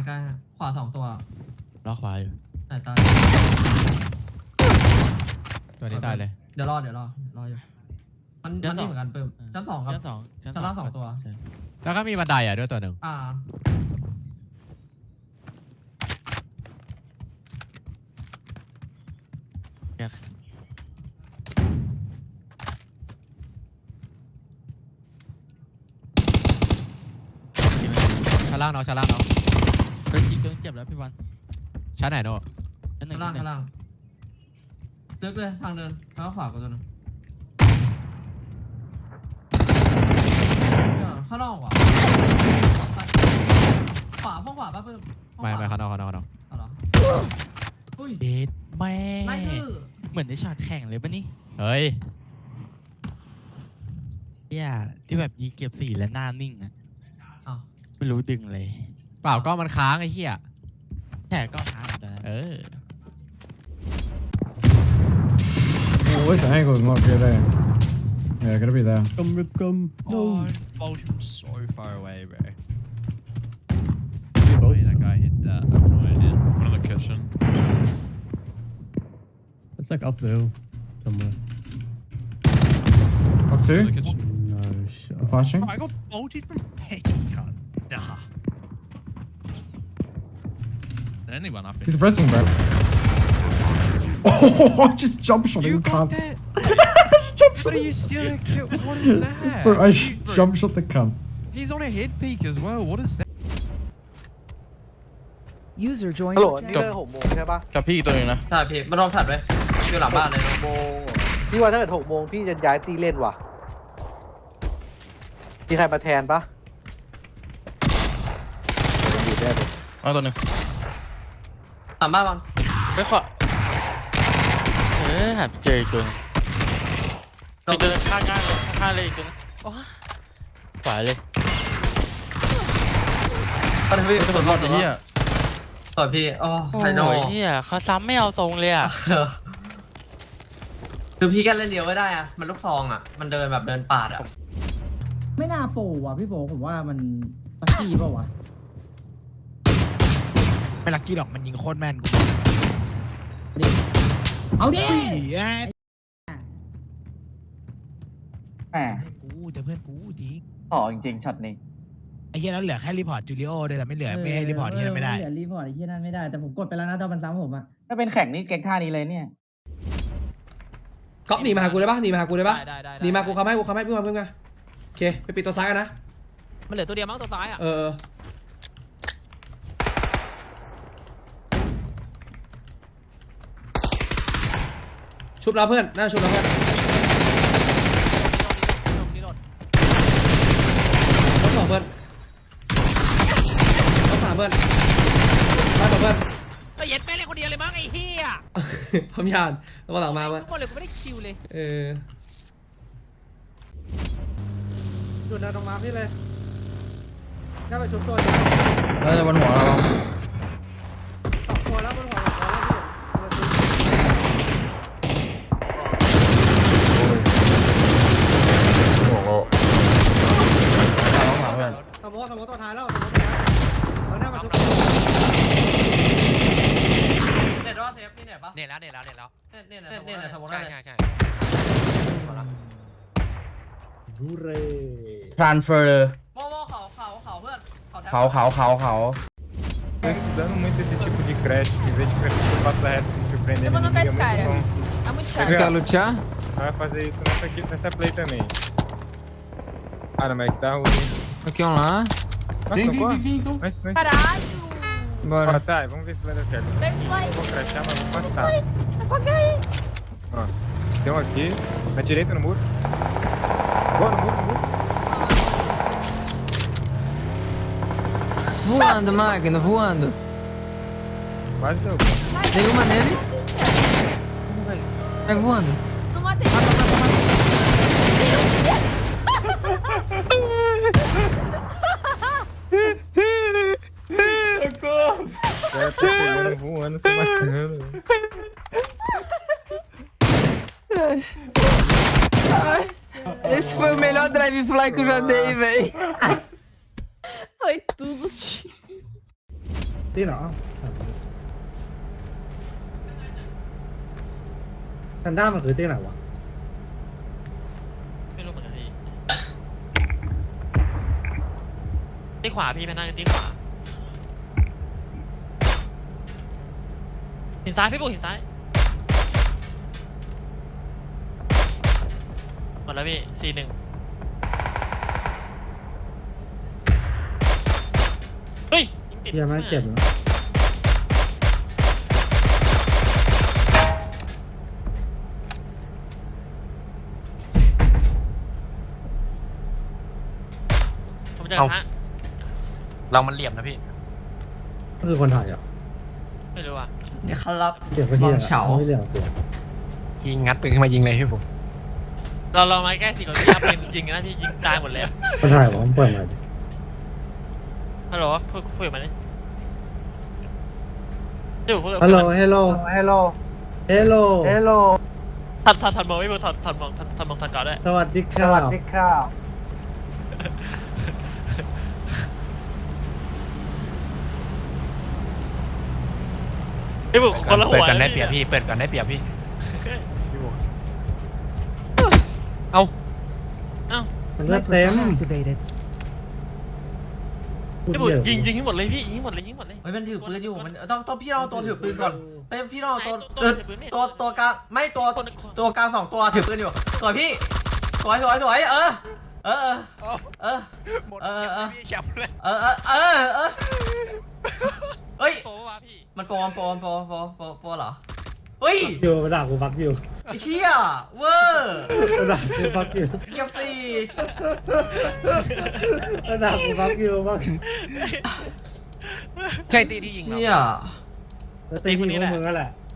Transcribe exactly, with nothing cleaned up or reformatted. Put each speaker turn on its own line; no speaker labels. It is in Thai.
กล้ขวาสองตัว
ล็อกขวาอยู่
ไหนตาย
ตัวนี้ตายเลย
เดี๋ยวรอเดี๋ยวรอรออยู่มันมันนี่เหมือนกันเพิ่มชั้นสองครับ
ชั้นสอง
ชั้นล่างสองตัว
แล้วก็มีบันไดอ่ะด้วยตัวหนึ่ง
อ่า
ชั้นล่างเนาะชั้นล่างเนาะ
เฮ้ยอีกตัวเจ็บแล้วพี่วัน
ชั้นไหนเนาะ
ชั้นหนึ่
ชั้
ง
นล่างชั้นล่างเลือกเลยทางเดินแล้วก็ขวาก็ตัวนึงข้างนอกว่ะขวาห้องขวาป่ะเพิ่ม
ไม่ไม่ข้างนอกข้างนอกข้างนอก
เอาเหรออุ้ย
เด็ดแม่
ไล่ดื้อ
เหมือนในฉากแข่งเลยปะนี่
เฮ้ย
เนี่ยที่แบบยิงเก็บสี่และหน้านิ่งอะไม่รู้ดึงเลย
เปล่าก็มันค้างไอ้เหี้ย
แค่ก็ค้างแต่
เออ
Oh, where's the angle? Not good there. Yeah, gotta be there.
Come, Rip, come. No.
Oh, Bolton so far away, bro.
Oh,
That guy hit that. I have no idea. One in the kitchen.
it's like up there somewhere.
Up
In
two.
the kitchen.
No shot.
I'm flashing.
Oh, I got bolted from Petty cunt. Nah. There's only one up
He's
here.
pressing, bro. Oh, I just jump shot him.
You got
Cunt.
that?
I just jump shot
What are
him.
you stealing? What is that?
Bro, I just jump shot the cunt.
He's on a head peak as well. What is that?
User joined
ฮัลโหล
your
นี่
channel.
เลิกหกโมงใช่ปะ
กับพี่ตัวเองนะ
ใช่พี่มันโดนถัดไว้อยู่หลังบ้านเลย
หกโมงพี่ว่าถ้าเกิดหกโมงพี่จะย้ายตีเล่นว่ะมีใครมาแทนปะอยู่ได้เลย
เอาตัวหนึ่ง
หลังบ้านมัน
ไปขวาเออหาเจออีกตัวนึงอีกตัวนึงข้างๆเลยข้างๆเลยอีกตัวนึงโอ้ขวาเลย
ก็ทำพี่
ไม่ต้องรอดไอ้เหี้ย
สวยพี่โอ้ไฮโน่
โอ้ยเนี่ยเขาซ้ำไม่เอาทรงเลยอ่ะ
คือพี่แค่เล่นเลี้ยวไม่ได้อะมันลูกซองอะมันเดินแบบเดินปาดอะ
ไม่น่าโปรว่ะพี่โบผมว่ามันลัคกี้เปล่าวะ
ไม่ลักกี้หรอกมันยิงโคตรแม่นกู
เอาดิ
แหม
กูเดี๋ยวเพื่อนกูจริง
อ๋อจริงๆช็อตนี้
ไอ้เหี้ยนั้นเหลือแค่รีพอร์ตจูเลียโอด้วยแต่ไม่เหลือไม่ให้รีพอร์ตที่นั่นไม่ได้
เหลือรีพอร์ตที่นั่นไม่ได้แต่ผมกดไปแล้วนะตอนมันซ้ำผมอะ
ถ้าเป็นแข่งนี่เก่งท่านี้เลยเนี่ย
ก๊อฟหนีมาหากูได้ปะหนีมาหากูได้ปะ
ได้ได้
หนีมากูเขาไม่กูเขาไม่เพิ่งมาเพิ่งมาโอเคไปปิดตัวซ้ายกันนะ
มันเหลือตัวเดียวมั้งตัวซ้ายอ่ะ
เออชุบเราเพื่อนน่าชุบเราเพื่อนรถสองเพื่อนรถสามเพื่อนมาต่อเพื่อน
ก็เย็ดแม่เลยคนเดียวเลยมั้งไอ้เหี้ย
พร้อมยานแล้วก็หลังมาเพื่อน
ทุกคนเลยกูไม่ได้คิวเลย
เออ
จุดเดินตรงมาพี่เลยแค่ไปชุบตัว
แล้วจะบนหัวเรา
สองตัวแล้วบนหัวเราสมมติสมมติตัวท้ายแล้วสมมติตัวท้ายแล้วหน้ามาชุบ
เน็ตว่าเซฟนี่เน็ตปะ
เนี่ยแล้วเนี่ยแล้วเนี่ยแล้ว
เน็ตเน็ตเน็ตเน็ตสมมติ
ใช่
ว่า
ใช่ใช่
ดูเร่
transfer โม่โม่เขาเขาเขาเพื่อนเขาเขาเขาเขา
Tô estudando muito esse tipo de crédito, em vez de preferir passar reto sem surpreender
Eu vou no
ninguém, é
pescar.
muito bom.
Tá muito
Quer
chato.
lutear?
Vai fazer isso nessa, aqui, nessa play também. Ah, não, mas é que tá ruim.
Aqui um lá.
Nossa, não corre? Mas, mas...
Caralho!
Bora, tá, vamos ver se vai dar certo.
Vem, vai.
Vou crachar, mas vou passar.
Apaga aí.
Ó, tem um aqui, na direita no muro. Boa, no muro, no muro.
Voando, máquina, voando.
Quase deu.
Dei uma nele.
Como vai isso?
Vai voando.
Não matei.
Socorro! O cara tá pegando, voando, se matando.
Esse foi o melhor drive fly que eu já dei, velho.
Foi tudo.
ตีเหรอกันด้ามันคือตีไหนวะ
ไม่รู้เหมือนกันพี่ที่ขวาพี่แพนด้าที่ขวาหินซ้ายพี่ปุ๊หินซ้ายหมดแล้วพี่สี่หนึ่งเฮ้ยยิงติด
เฮียไม่เจ็บนะ
ผมจะกระทะ
เรามันเหลี่ยมนะพี่
ก็คือคนถ่ายอ่ะ
ไม่รู้อ่ะ
นี่ครับ
เจ็บไปเฮีย
มองเฉา
ไม่เหลี่ยมตัว
ยิงงัดปืนขึ้นมายิงเลยพี่ผม
เราเรามาใกล้สี่คนพี่ครับเป็นจริงนะพี่ยิงตายหมดเลย
คนถ่ายวะมันเปิดมาดิ
ฮัลโหลพูดคุยกับมันดิเดี๋ยวพูด
ฮัลโหลเฮลโลเฮลโลเฮลโลเฮลโล
ทันทันทันมองไม่พูดทันทันมองทันทันมองทันก่อนด้วย
สวัสดีครับสวัสดีครับ
พี่บุกคนละหัว
เปิดก่อนได้เปรียบพี่เปิดก่อนได้เปรียบพี่เอา
เอ้า
มันเลือดเต็ม
Microphone activated.
พี่บุกยิงยิงให้หมดเลยพี่ยิงให้หมดเลยยิงให้หมดเลย
เฮ้ยมันถือปืนอยู่มันต้องต้องพี่เราตัวถือปืนก่อนไปพี่เราตัว
ตัวถือปืนไม่
ตัวตัวกลางไม่ตัวตัวกลางสองตัวถือปืนอยู่สวยพี่สวยสวยสวยเออเออเออเออ
หมด
เออเออ
พี่แชมป์เลย
เออเออเออเออเฮ้ย
โป้วะพี่
มันโปรมันโปรมันโปรโปรโปรโปรเหรอเฮ้ย
อยู่มาด่ากูฟักอยู่
ไอ้เชี่ยเวอร์
มาด่ากูฟักอยู่
เกียบสี่
มาด่ากูฟักอยู่ฟัก
ใช่ตีที่ยิงเรา
เชี่ย
แล้วตีที่พวกมึงนั่นแหละ